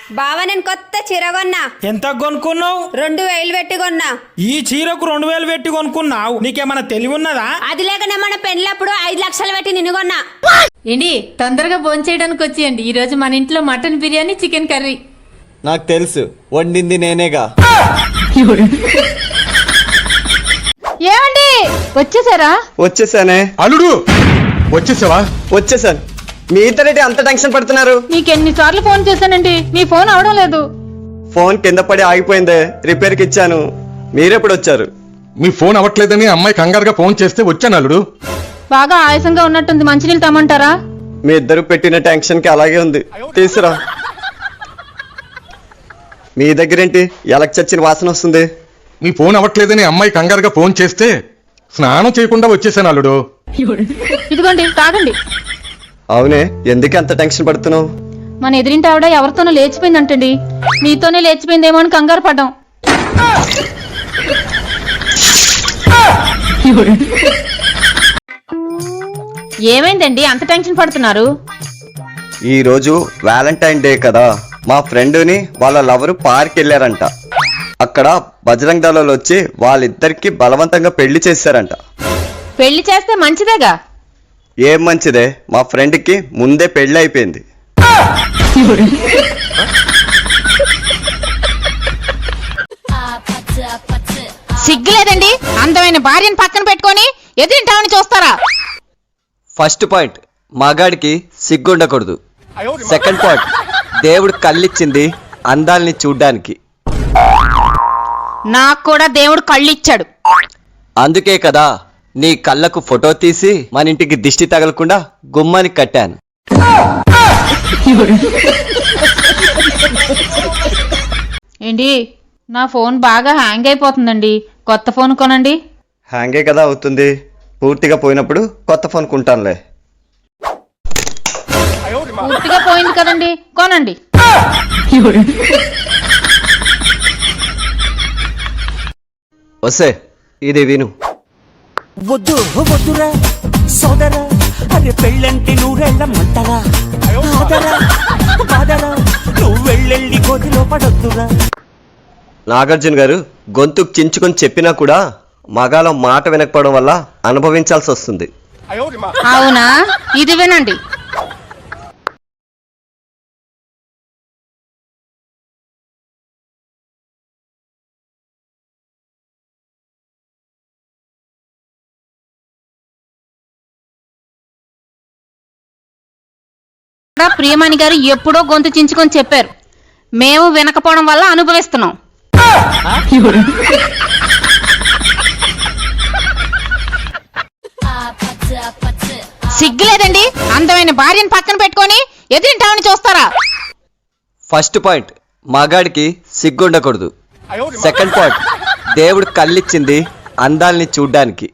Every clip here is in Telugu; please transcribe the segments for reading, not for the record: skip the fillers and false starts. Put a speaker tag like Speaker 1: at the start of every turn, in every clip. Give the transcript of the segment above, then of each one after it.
Speaker 1: బావ నేను కొత్త చీర కొన్నా.
Speaker 2: ఎంత కొనుక్కున్నావు?
Speaker 1: 2000 పెట్టి కొన్నా.
Speaker 2: ఈ చీరకు 2000 పెట్టి కొనుక్కున్నావు? నీకేమన్నా తెలివి ఉన్నదా?
Speaker 1: అది లేకనే మన పెళ్ళప్పుడు 5 లక్షలు పెట్టి నిన్ను కొన్నా.
Speaker 3: ఏంటి తొందరగా భోంచేయడానికి వచ్చేయండి. ఈ రోజు మన ఇంట్లో మటన్ బిర్యానీ, చికెన్ కర్రీ.
Speaker 4: నాకు తెలుసు, వండింది నేనేగా.
Speaker 3: ఏమండి వచ్చేసారా?
Speaker 4: వచ్చేసానే.
Speaker 5: అల్లుడు వచ్చేసావా?
Speaker 4: వచ్చేసాను. మీ ఇద్దరేంటి అంత టెన్షన్ పడుతున్నారు?
Speaker 3: మీకు ఎన్నిసార్లు ఫోన్ చేశానండి, మీ ఫోన్ అవడం లేదు.
Speaker 4: ఫోన్ కింద పడి ఆగిపోయిందే, రిపేర్కి ఇచ్చాను. మీరెప్పుడు వచ్చారు?
Speaker 5: మీ ఫోన్ అవ్వట్లేదని అమ్మాయి కంగారుగా ఫోన్ చేస్తే వచ్చాను అల్లుడు.
Speaker 3: బాగా ఆయాసంగా ఉన్నట్టుంది, మంచినీళ్ళు తమ్మంటారా?
Speaker 4: మీ ఇద్దరు పెట్టిన టెన్షన్ కి అలాగే ఉంది, తీసురా. మీ దగ్గరేంటి ఎలక్ చచ్చిన వాసన వస్తుంది?
Speaker 5: మీ ఫోన్ అవ్వట్లేదని అమ్మాయి కంగారుగా ఫోన్ చేస్తే స్నానం చేయకుండా వచ్చేసాను అల్లుడు.
Speaker 3: ఇదిగోండి తాగండి.
Speaker 4: అవునే, ఎందుకు అంత టెన్షన్ పడుతున్నావు?
Speaker 3: మన ఎదిరింటి ఆవిడ ఎవరితోనో లేచిపోయిందంటండి. మీతోనే లేచిపోయిందేమో అని కంగారు పడ్డాం. ఏమైందండి అంత టెన్షన్ పడుతున్నారు?
Speaker 4: ఈ రోజు వ్యాలంటైన్ డే కదా, మా ఫ్రెండ్ని వాళ్ళ లవరు పార్క్ వెళ్ళారంట. అక్కడ బజరంగ్ దళాలు వచ్చి వాళ్ళిద్దరికి బలవంతంగా పెళ్లి చేశారంట.
Speaker 3: పెళ్లి చేస్తే మంచిదేగా.
Speaker 4: ఏం మంచిదే, మా ఫ్రెండ్కి ముందే పెళ్లి అయిపోయింది.
Speaker 3: సిగ్గులేదండి, అందమైన భార్యను పక్కన పెట్టుకొని ఎదిరింటామని చూస్తారా?
Speaker 4: ఫస్ట్ పాయింట్, మగాడికి సిగ్గుండకూడదు. సెకండ్ పాయింట్, దేవుడు కళ్ళిచ్చింది అందాల్ని చూడ్డానికి.
Speaker 3: నాకు కూడా దేవుడు కళ్ళిచ్చాడు.
Speaker 4: అందుకే కదా నీ కళ్ళకు ఫోటో తీసి మన ఇంటికి దిష్టి తగలకుండా గుమ్మానికి కట్టాను.
Speaker 3: ఏంటి నా ఫోన్ బాగా హ్యాంగ్ అయిపోతుందండి, కొత్త ఫోన్ కొనండి.
Speaker 4: హ్యాంగే కదా అవుతుంది, పూర్తిగా పోయినప్పుడు కొత్త ఫోన్ కొంటానులే.
Speaker 3: పూర్తిగా పోయింది కదండి, కొనండి.
Speaker 4: వస్తే ఇది విను.
Speaker 6: వద్దు వద్దురా సోదరా, అరే పెళ్ళంటే నూరెళ్ళ మంటరా, ఆదరా బాదరా, నువ్వు వెళ్ళెళ్ళి గోతిలో పడొద్దురా.
Speaker 4: నాగార్జున గారు గొంతుకు చించుకొని చెప్పినా కూడా మగాళ్ళ మాట వినకపోవడం వల్ల అనుభవించాల్సి వస్తుంది.
Speaker 3: అవునా, ఇది వినండి. ప్రియమణి గారు ఎప్పుడో గొంతు చించుకొని చెప్పారు, మేము వినకపోవడం వల్ల అనుభవిస్తున్నాం. సిగ్గులేదండి, అందమైన భార్యను పక్కన పెట్టుకొని ఎదిరింటామని చూస్తారా?
Speaker 4: ఫస్ట్ పాయింట్, మగాడికి సిగ్గుండకూడదు. సెకండ్ పాయింట్, దేవుడు కళ్ళిచ్చింది అందాల్ని చూడ్డానికి.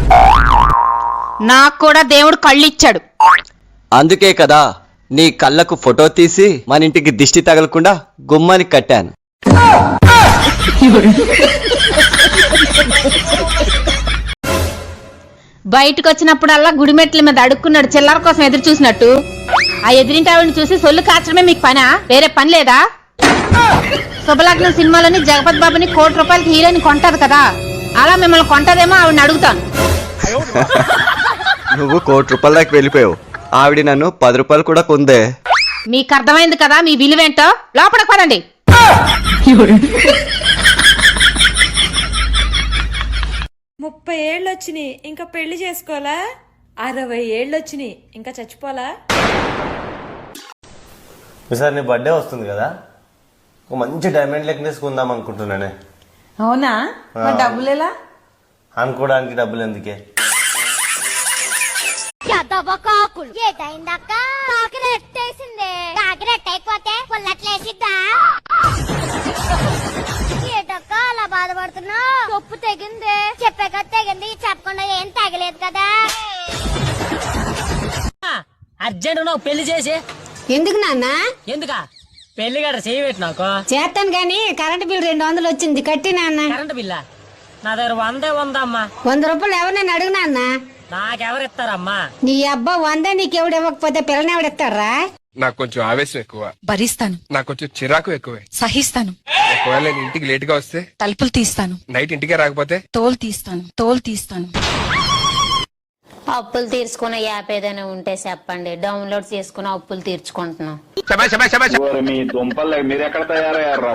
Speaker 3: నాకు కూడా దేవుడు కళ్ళిచ్చాడు.
Speaker 4: అందుకే కదా నీ కళ్ళకు ఫోటో తీసి మన ఇంటికి దిష్టి తగలకుండా గుమ్మానికి కట్టాను.
Speaker 3: బయటకు వచ్చినప్పుడల్లా గుడిమెట్ల మీద అడుక్కున్నాడు చిల్లర కోసం ఎదురు చూసినట్టు. ఆ ఎదిరింటి ఆవిడని చూసి సొల్లు కాచడమే మీకు పనా? వేరే పని లేదా? శుభలగ్నం సినిమాలోని జగపతి బాబుని ₹1,00,00,000 హీరోని కొంటది కదా, అలా మిమ్మల్ని కొంటదేమో ఆవిడని అడుగుతాను.
Speaker 4: నువ్వు ₹1,00,00,000 దాకా వెళ్ళిపోయావు, ఆవిడ నన్ను ₹10 కూడా కొందే.
Speaker 3: మీకు అర్థమైంది కదా మీ విలువేంటో, లోపలికి పదండి.
Speaker 7: 30 ఏళ్ళు వచ్చినాయి ఇంకా పెళ్లి చేసుకోవాలా? 60 ఏళ్ళు వచ్చినాయి ఇంకా చచ్చిపోలా?
Speaker 8: ఈసారి నీ బర్త్డే వస్తుంది కదా, ఒక మంచి డైమండ్ నెక్లెస్ కొందాం అనుకుంటున్నానే.
Speaker 7: అవునా, డబ్బులు ఎలా?
Speaker 8: అనుకోవడానికి డబ్బులు ఎందుకే?
Speaker 9: ఏటైందక్క కాకిరెట్టేసిందే, కాకిరెట్టయిపోతే పుల్లట్లేసిద్దా? ఏటక్క అలా బాధపడుతున్నా? తప్పు తెగిందే, చెప్పాక తెగింది, చెప్పకుండా ఏం తగలేదు కదా.
Speaker 10: అర్జెంట్ నువ్వు పెళ్లి చేసి.
Speaker 1: ఎందుకు నాన్న?
Speaker 10: ఎందుకా? పెళ్లి గడ చేయబెట్టి నాకు
Speaker 1: చేస్తాను గాని కరెంట్ బిల్ 200 వచ్చింది, కట్టి నాన్న.
Speaker 10: కరెంట్ బిల్లా? నా దగ్గర 100 ఉందమ్మా.
Speaker 1: ₹100 ఎవరినైనా అడుగు నాన్న.
Speaker 10: నాకెవరిస్తారమ్మా?
Speaker 1: నీ అబ్బా 100 నీకెవడు ఇవ్వకపోతే పిల్లని ఎవడిస్తారా?
Speaker 11: నాకు కొంచెం ఆవేశం ఎక్కువ,
Speaker 7: భరిస్తాను,
Speaker 11: నాకు కొంచెం చిరాకు ఎక్కువే.
Speaker 7: సహిస్తాను,
Speaker 11: ఒకవేళ నేను ఇంటికి లేట్ గా వస్తే,
Speaker 7: తలుపులు తీస్తాను,
Speaker 11: నైట్ ఇంటికే రాకపోతే,
Speaker 7: తోలు తీస్తాను.
Speaker 1: అప్పులు తీర్చుకునే యాప్ ఏదైనా ఉంటే చెప్పండి, డౌన్లోడ్ చేసుకుని అప్పులు తీర్చుకుంటున్నాం.
Speaker 11: శభాష్ శభాష్ శభాష్.
Speaker 5: మీ దుంపలు మీరు ఎక్కడ తయారయ్యారా